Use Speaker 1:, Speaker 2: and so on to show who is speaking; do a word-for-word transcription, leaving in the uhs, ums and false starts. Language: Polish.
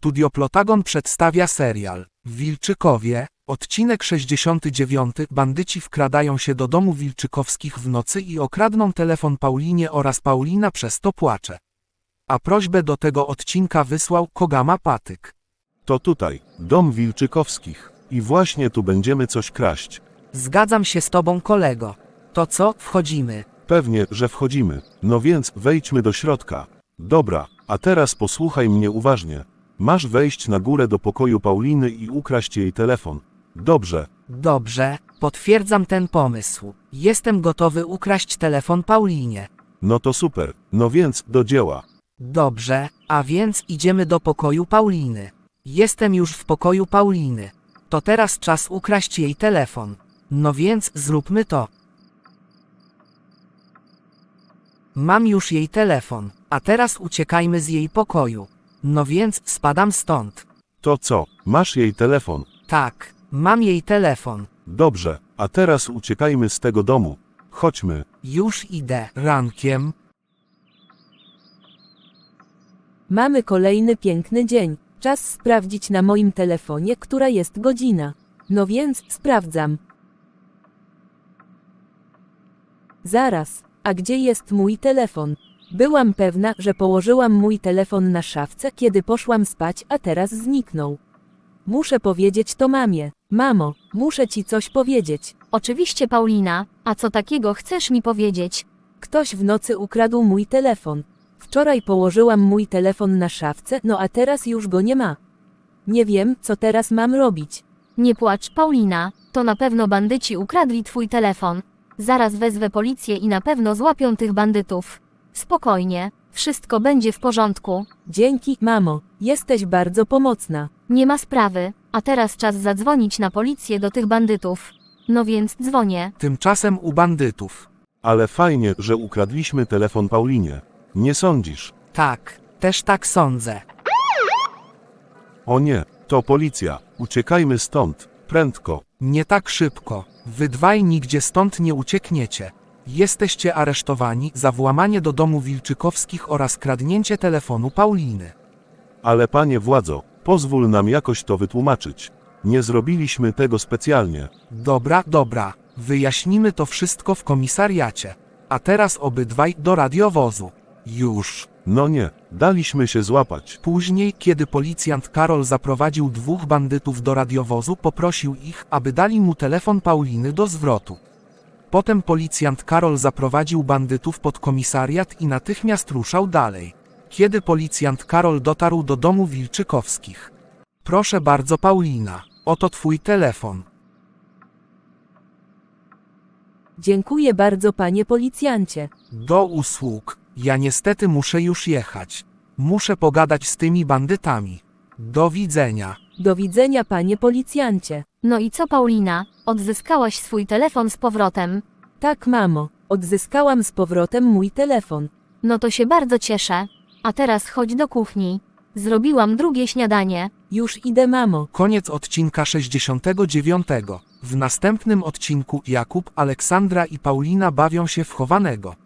Speaker 1: Studio Plotagon przedstawia serial Wilczykowie, odcinek sześćdziesiąty dziewiąty. Bandyci wkradają się do domu Wilczykowskich w nocy i okradną telefon Paulinie oraz Paulina przez to płacze. A prośbę do tego odcinka wysłał Kogama Patyk.
Speaker 2: To tutaj, dom Wilczykowskich. I właśnie tu będziemy coś kraść.
Speaker 1: Zgadzam się z tobą, kolego. To co, wchodzimy?
Speaker 2: Pewnie, że wchodzimy. No więc wejdźmy do środka. Dobra, a teraz posłuchaj mnie uważnie. Masz wejść na górę do pokoju Pauliny i ukraść jej telefon. Dobrze.
Speaker 1: Dobrze, potwierdzam ten pomysł. Jestem gotowy ukraść telefon Paulinie.
Speaker 2: No to super. No więc do dzieła.
Speaker 1: Dobrze, a więc idziemy do pokoju Pauliny. Jestem już w pokoju Pauliny. To teraz czas ukraść jej telefon. No więc zróbmy to. Mam już jej telefon, a teraz uciekajmy z jej pokoju. No więc spadam stąd.
Speaker 2: To co, masz jej telefon?
Speaker 1: Tak, mam jej telefon.
Speaker 2: Dobrze, a teraz uciekajmy z tego domu. Chodźmy.
Speaker 1: Już idę. Rankiem.
Speaker 3: Mamy kolejny piękny dzień. Czas sprawdzić na moim telefonie, która jest godzina. No więc sprawdzam. Zaraz, a gdzie jest mój telefon? Byłam pewna, że położyłam mój telefon na szafce, kiedy poszłam spać, a teraz zniknął. Muszę powiedzieć to mamie. Mamo, muszę ci coś powiedzieć.
Speaker 4: Oczywiście, Paulina, a co takiego chcesz mi powiedzieć?
Speaker 3: Ktoś w nocy ukradł mój telefon. Wczoraj położyłam mój telefon na szafce, no a teraz już go nie ma. Nie wiem, co teraz mam robić.
Speaker 4: Nie płacz, Paulina, to na pewno bandyci ukradli twój telefon. Zaraz wezwę policję i na pewno złapią tych bandytów. Spokojnie, wszystko będzie w porządku.
Speaker 3: Dzięki, mamo, jesteś bardzo pomocna.
Speaker 4: Nie ma sprawy, a teraz czas zadzwonić na policję do tych bandytów. No więc dzwonię.
Speaker 1: Tymczasem u bandytów.
Speaker 2: Ale fajnie, że ukradliśmy telefon Paulinie. Nie sądzisz?
Speaker 1: Tak, też tak sądzę.
Speaker 2: O nie, to policja. Uciekajmy stąd. Prędko.
Speaker 1: Nie tak szybko. Wy dwaj nigdzie stąd nie uciekniecie. Jesteście aresztowani za włamanie do domu Wilczykowskich oraz kradnięcie telefonu Pauliny.
Speaker 2: Ale panie władzo, pozwól nam jakoś to wytłumaczyć. Nie zrobiliśmy tego specjalnie.
Speaker 1: Dobra, dobra. Wyjaśnimy to wszystko w komisariacie. A teraz obydwaj do radiowozu. Już.
Speaker 2: No nie, daliśmy się złapać.
Speaker 1: Później, kiedy policjant Karol zaprowadził dwóch bandytów do radiowozu, poprosił ich, aby dali mu telefon Pauliny do zwrotu. Potem policjant Karol zaprowadził bandytów pod komisariat i natychmiast ruszał dalej. Kiedy policjant Karol dotarł do domu Wilczykowskich. Proszę bardzo, Paulina, oto twój telefon.
Speaker 3: Dziękuję bardzo, panie policjancie.
Speaker 1: Do usług. Ja niestety muszę już jechać. Muszę pogadać z tymi bandytami. Do widzenia.
Speaker 3: Do widzenia, panie policjancie.
Speaker 4: No i co, Paulina, odzyskałaś swój telefon z powrotem?
Speaker 3: Tak, mamo, odzyskałam z powrotem mój telefon.
Speaker 4: No to się bardzo cieszę. A teraz chodź do kuchni. Zrobiłam drugie śniadanie.
Speaker 3: Już idę, mamo.
Speaker 1: Koniec odcinka sześćdziesiątego dziewiątego. W następnym odcinku Jakub, Aleksandra i Paulina bawią się w chowanego.